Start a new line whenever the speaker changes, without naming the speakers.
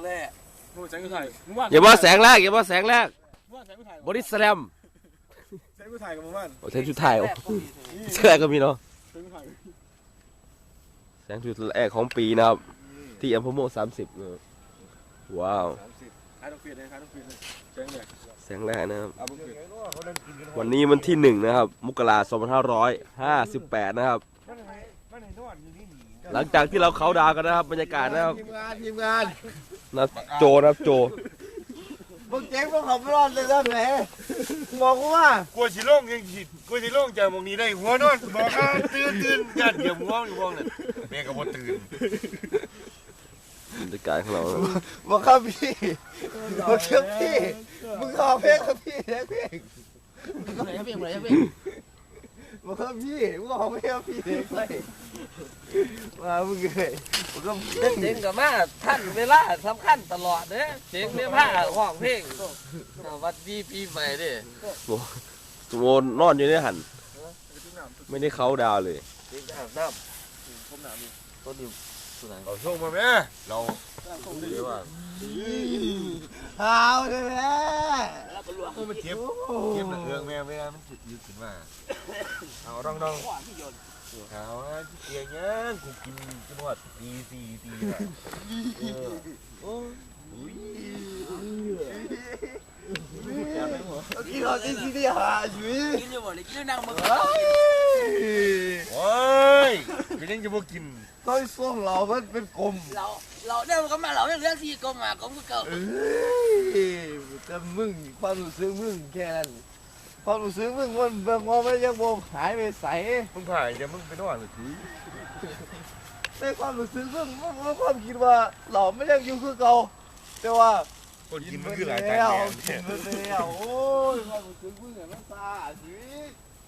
แรกแสงกูถ่าย
อย่าว่าแสงแรกอย่าว่าแสงแรกบอดี้สแลม
แสงกูถ่ายกับมึงบ้าน
แสงชุดถ่ายแสงแรกก็มีเนาะแสงชุดแรกของปีนะครับที่อัมพโม30ว้าวแสงแรกนะครับวันนี้วันที่1นะครับมกราคม2558นะครับหลังจากที่เราเขาดาวกันนะครับบรรยากาศนะครับ
ทีมงาน
นะโจนะครับโจ
มึงเจ๊งพวกเขาไม่รอดเลยนะแหมบอกว่ากลัวสิโล่งยังผิดกลัวสิโล่งจากมองนี้ได้หัวนอนบอกว่าตื่นยัดเดี๋ยวง่วงอยู่บ้องเนี่ยแม่ก็บ่ตื่น
บรรยากาศของเรา
บอกครับพี่บอกครับพี่มึงขอเพลงครับพี่เพลงบอกครับพี่มึงขอเพลงครับพี่เลยมามึงเลยมึงก็
เจ๋งกับมาท่านเวลาสำคัญตลอดเด้เจ๋งเนี่ยผ้าห้องเพลงวัดดีปีใหม่ดิ
สมนนอนอยู่ในหันไม่ได้เขาดาวเลย
น้ำต้นนี้
เอาช่วงมาแม่เราดีว่าเอาเลยแม่มันเจ็บหนังเอื้องแม่ไม่ได้มันยืดขึ้นมาเอาดองเอาเกี่ยงกูกินจนว่าตีกินเราตีหาชีวิต
กินอยู่บ่เลยกินนั่งมึง
โอ้ยเป็นยังจะบ่กินต้อยส้มเราเป็นกลม
เราเนี่ยมันก็มาเราเรื่องที่กลมมากลมก็เก่า
แต่มึงความรู้สึกมึงแค่นั้นความรู้สึกมึงมันเบิ่งว่าไม่ยังบ่หายไปใสมึงผ่ายจะมึงไปนอนหรือทีในความรู้สึกมึงความคิดว่าเราไม่ยังอยู่คือเก่าแต่ว่าคนกินมันคือหลายใจกินมันแล้วโอ้ยความรู้สึกมึงเนี่ยมันซาชีวิต